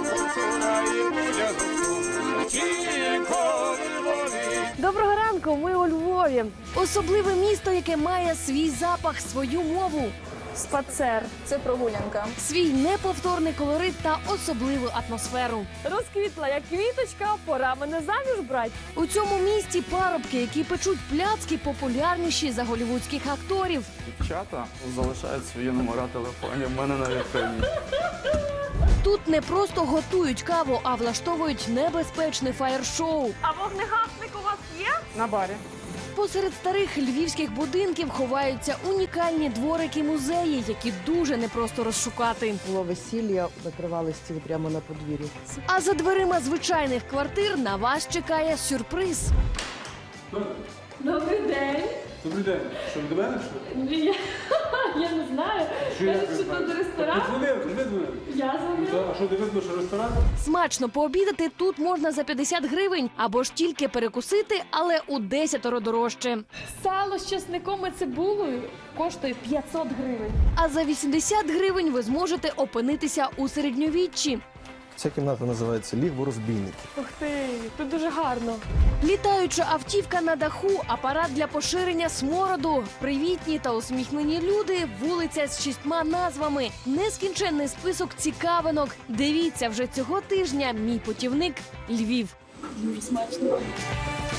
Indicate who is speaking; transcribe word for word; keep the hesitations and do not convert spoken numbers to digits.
Speaker 1: Доброго ранку, ми у Львові. Особливе місто, яке має свій запах, свою мову. Спацер.
Speaker 2: Це прогулянка.
Speaker 1: Свій неповторний колорит та особливу атмосферу. Розквітла, як квіточка, пора мене заміж брать. У цьому місті парубки, які печуть пляцки, популярніші за голлівудських акторів.
Speaker 3: Дівчата залишають свої номера телефонів, в мене на вітрині.
Speaker 1: Тут не просто готують каву, а влаштовують небезпечне фаєр-шоу.
Speaker 4: А вогнегасник у вас є?
Speaker 5: На барі.
Speaker 1: Посеред старих львівських будинків ховаються унікальні дворики-музеї, які дуже непросто розшукати.
Speaker 5: Було весілля, накривали стіл прямо на подвір'ї.
Speaker 1: А за дверима звичайних квартир на вас чекає сюрприз.
Speaker 4: Добрий день.
Speaker 6: Добрий день. Що, ви до мене пішли?
Speaker 4: Я, я не знаю. Кажуть, що тут ресторан.
Speaker 6: Подзвонив, ти дзвонив?
Speaker 4: Я дзвонила.
Speaker 6: А що, не видно, що ресторан?
Speaker 1: Смачно пообідати тут можна за п'ятдесят гривень або ж тільки перекусити, але у десятеро дорожче.
Speaker 4: Сало з чесником і цибулею коштує п'ятсот гривень.
Speaker 1: А за вісімдесят гривень ви зможете опинитися у середньовіччі.
Speaker 7: Ця кімната називається «Лігво розбійників».
Speaker 4: Ух ти, тут дуже гарно.
Speaker 1: Літаюча автівка на даху, апарат для поширення смороду, привітні та усміхнені люди, вулиця з шістьма назвами, нескінченний список цікавинок. Дивіться вже цього тижня «Мій путівник Львів».
Speaker 4: Дуже смачно.